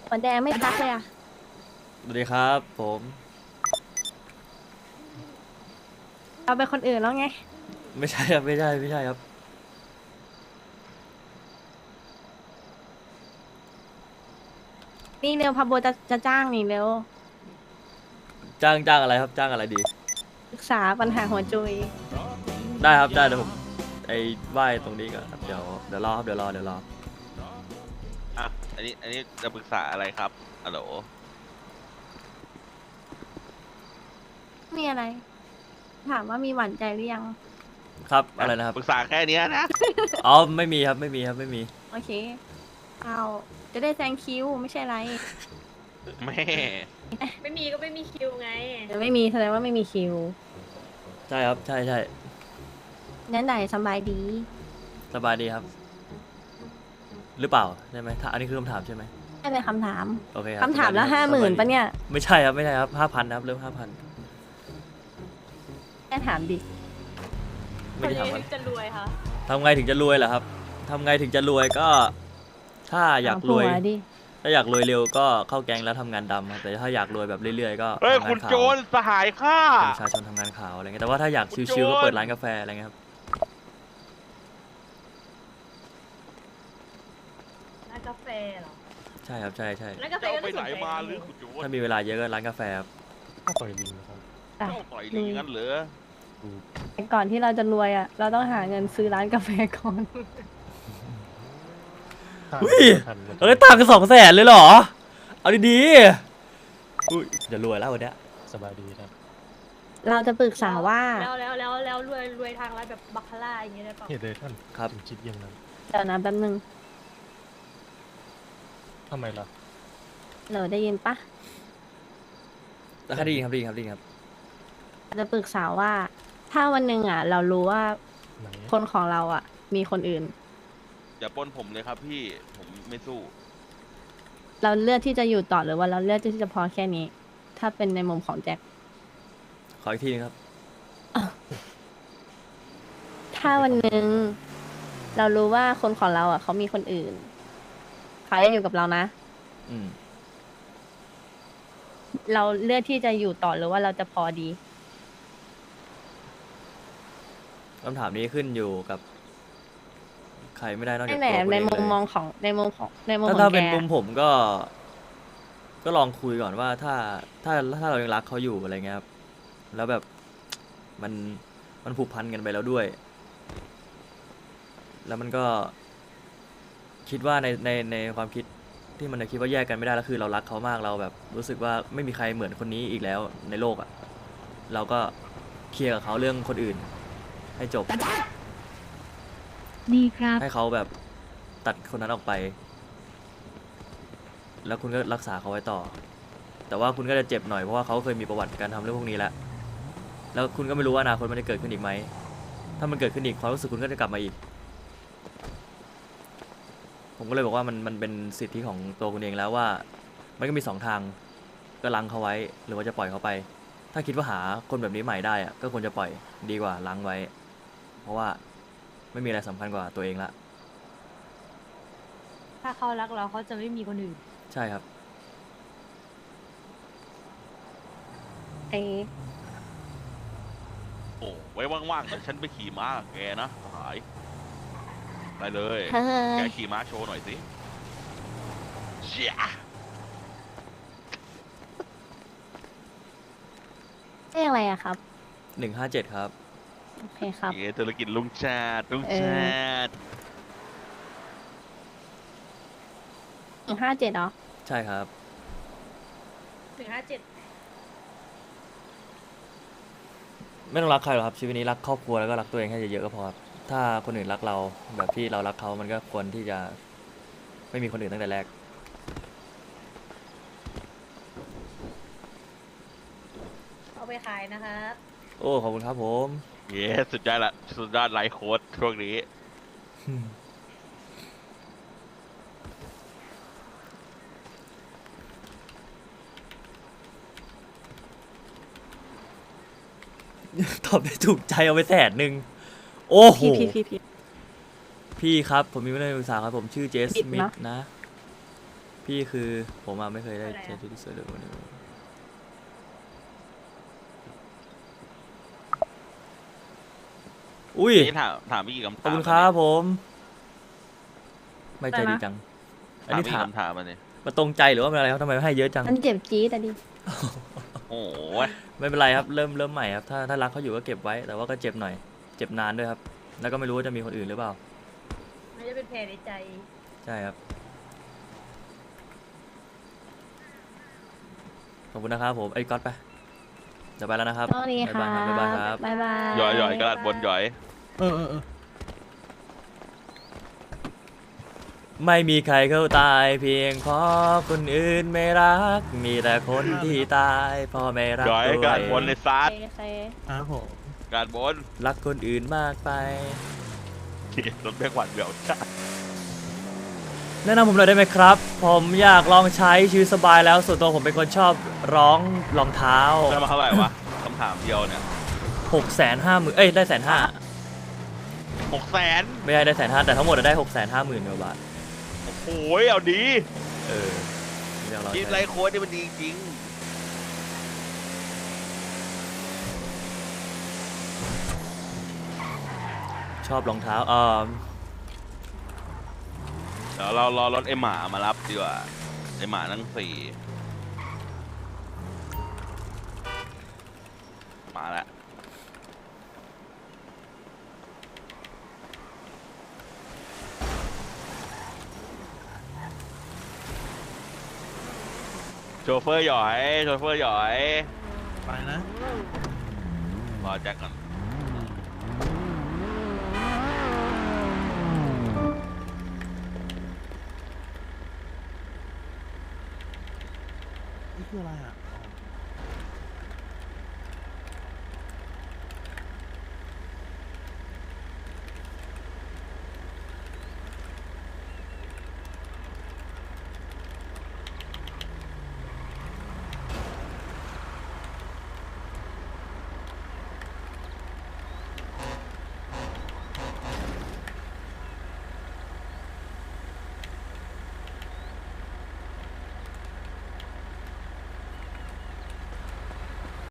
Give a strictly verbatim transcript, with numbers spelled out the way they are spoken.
หัวแดงไม่ทักเลยอ่ะสวัสดีครับผมเราเป็นคนอื่นแล้วไงไม่ใช่ครับไม่ใช่ไม่ใช่ครับนี่เร็วพาโบจะจะจ้างนี่เร็วจ้างจ้างอะไรครับจ้างอะไรดีปรึกษาปัญหาหัวจุยได้ครับได้เดี๋ยวผมไอ้ไหว้ตรงนี้ก่อนครับเดี๋ยวเดี๋ยวรอครับเดี๋ยวรอเดี๋ยวรออ่ะอันนี้ อันนี้จะปรึกษาอะไรครับฮัลโหลมีอะไร ถามว่ามีหวานใจหรือยังครับอะไรนะครับปรึกษาแค่เนี้ยนะอ๋อไม่มีครับไม่มีครับไม่มีโอเค เอาจะได้แซงคิวไม่ใช่ไรแม่ไม่มีก็ไม่มีคิวไงเดี๋ยวไม่มีแสดงว่าไม่มีคิวใช่ครับใช่ใช่นั้นไหนสบายดีสบายดีครับ หรือเปล่าใช่ไหมถ้าอันนี้คือคำถามใช่ไหมไม่เป็นคำถามโอเคครับคำถามละสบยดีห้าครับหมื่นสบยดีปะเนี่ยไม่ใช่ครับไม่ใช่ครับห้าพันครับเริ่มห้าพันแค่ถามดิไม่ได้ถามคอะนไรนี้จะรวยค่ะทำไงถึงจะรวยเหรอครับทำไงถึงจะรวยก็ ถ้าอยากรวยเผัดิถ้าอยากรวยเร็วก็เข้าแก๊งแล้วทำงานดำครับแต่ถ้าอยากรวยแบบเรื่อยๆก็เฮ้ยทำงาคุณนขาวโจรสหายข้าเป็นประชาชนทำงานขาวอะไรเงี้ยแต่ว่าถ้าอยากคุณชิวๆก็โจรเปิดร้านกาแฟอะไรเงี้ยครับร้านกาแฟเหรอใช่ครับใช่ใช่ร้านกาแฟเจ้าก็ไปน่าสไหนนใจมานะหรือคุณโจรถ้ามีเวลาเยอะก็ร้านกาแฟครับข้าวต่อยลิงนะครับอ่ะเจ้าต่อยลิงงั้นเหรอดูแต่ก่อนที่เราจะรวยอ่ะ เราต้องหาเงินซื้อร้านกาแฟก่อนข้าวอุ้ยทันมันเอ้ยตังค์สองแสนเลยเหรอเอาดีๆอุ้ยจะรวยแล้ววันเนี้ยสบายดีครับเราจะปรึกษาว่าแล้วแล้วแล้วแล้วรวยรวยทางร้านแบบบัคคาร่าอย่างเงี้ยได้เปล่าเหตุใดท่านครับถึงคิดอย่างนั้นเดี๋ยวนะแป๊บนึงทำไมล่ะเราได้ยินปะแล้วคดีครับดีครับดีครับจะปรึกษาว่า ถ้าวันหนึ่งอ่ะ เรารู้ว่าไหนคนของเราอ่ะ มีคนอื่นอย่าปล้นผมเลยครับพี่ ผมไม่สู้เราเลือกที่จะอยู่ต่อหรือว่าเราเลือกที่จะพอแค่นี้ ถ้าเป็นในมุมของแจ็คขออีกทีนึงครับถ้าวันหนึ่งเรารู้ว่าคนของเราอ่ะเขามีคนอื่นเขายังอยู่กับเรานะอืมเราเลือกที่จะอยู่ต่อหรือว่าเราจะพอดีคำถามนี้ขึ้นอยู่กับใครไม่ได้นอกจากไม่แหละตัวคุณในเองมุมเลยมองของในมุมของในมุมถ้าของถ้าแกเป็นมุมผมก็ ก็ลองคุยก่อนว่าถ้าถ้าถ้าเรายังรักเขาอยู่อะไรเงี้ยครับแล้วแบบมันมันผูกพันกันไปแล้วด้วย แล้วมันก็ คิดว่าในในในความคิดที่มันคิดว่าแยกกันไม่ได้แล้วคือเรารักเขามากเราแบบ รู้สึกว่าไม่มีใครเหมือนคนนี้อีกแล้วในโลกอะ่ะเราก็เคลียร์กับเขาเรื่องคนอื่น ให้จบดีครับให้เขาแบบตัดคนนั้นออกไป แล้วคุณก็รักษาเขาไว้ต่อ แต่ว่าคุณก็จะเจ็บหน่อยเพราะว่าเขาเคยมีประวัติการทำเรื่องพวกนี้แล้ว แล้วคุณก็ไม่รู้ว่าอนาคตมันจะเกิดขึ้นอีกไหม ถ้ามันเกิดขึ้นอีกความรู้สึกคุณก็จะกลับมาอีก ผมก็เลยบอกว่ามันมันเป็นสิทธิของตัวคุณเองแล้วว่า มันก็มีสองทาง ก็ล้างเขาไว้ หรือว่าจะปล่อยเขาไป ถ้าคิดว่าหาคนแบบนี้ใหม่ได้อะก็ควรจะปล่อยดีกว่าล้างไว้ เพราะว่าไม่มีอะไรสำคัญกว่าตัวเองละถ้าเขารักเราเขาจะไม่มีคนอื่นใช่ครับไอ้โอ้ไว้ว่างๆเดี๋ยวฉันไปขี่ม้ากับแกนะสหายไปเลยเฮ้แกยขี่ม้าโชว์หน่อยสิเชี่ยเรียกอะไรอะครับหนึ่งห้าเจ็ดครับโอเคครับเย้ธุรกิจลุงชาติลุงเออชาติหนึ่งห้าเจ็ดเหรอใช่ครับหนึ่งห้าเจ็ดไม่ต้องรักใครหรอกครับชีวิตนี้รักครอบครัวแล้วก็รักตัวเองให้เยอะๆก็พอครับถ้าคนอื่นรักเราแบบที่เรารักเขามันก็ควรที่จะไม่มีคนอื่นตั้งแต่แรกเอาไปขายนะครับโอ้ขอบคุณครับผมเย้สุดยอดละสุดยอดไลฟ์โค้ดช่วงนี้ตอบได้ถูกใจเอาไปแสนหนึ่งโอ้โหพี่พี่พี่พี่พี่ครับผมมีเรื่องปรึกษาครับผมชื่อเจสผิดมิธนะนะพี่คือผมอะไม่เคยได้ใช้ชุดที่สวยเลยวันนี้อุ้ยนี่ถามถามพี่กี่คำถามขอบคุณครับผม ไม่ใจอะไรดีนะจัง อันถามนี้พี่ถามคำถามมันเนี่ยมาตรงใจหรือว่าเป็นอะไรครับทำไมให้เยอะจังมันเจ็บจี๊ดอะดิโอ้โหไม่เป็นไรครับเริ่มเริ่มใหม่ครับถ้าถ้ารักเขาอยู่ก็เก็บไว้ แต่ว่าก็เจ็บหน่อย เจ็บนานด้วยครับ แล้วก็ไม่รู้ว่าจะมีคนอื่นหรือเปล่ามันจะเป็นแผลในใจใช่ครับ ขอบคุณนะครับผมไอ้ยก๊อตไปเดี๋ยวไปแล้วนะครับโชคดีครับ๊ายบายครับบบ๊ายบายหย่อยหย่อยกระดาษบนหย่อยเออเออเออไม่มีใครเข้าตายเพียงเพราะคนอื่นไม่รัก มีแต่คนที่ตายเพราะไม่รักหย่อยตัวกระดาษบนเอในงซาโอดเคโอเคครับผมกระดาษบนรักคนอื่นมากไปรถแบกหวานเดี่ยวจ้าแนะนำผมหน่อยได้ไหมครับ ผมอยากลองใช้ชีวิตสบายแล้ว ส่วนตัวผมเป็นคนชอบร้องรองเท้าได้มาเท่าไหร่วะคำถามเดียวเนี่ยหกแสนห้าหมื่นเอ้ยได้แสนห้าหกแสนไม่ได้ได้แสนห้าแต่ทั้งหมดอะได้หกแสนห้าหมื่นกว่าบาทโอ้ยเอาดีเอออยากลองคิดใช้ไรโค้ดนี่มันดีจริงชอบรองเท้าเออเดี๋ยวเรารอรถไอหมามารับดีกว่าไอหมานั่งสี่มาแล้วโชเฟอร์หยอยโชเฟอร์หยอยไปนะรอแจ็คก่อนนี่คืออะไรอ่ะ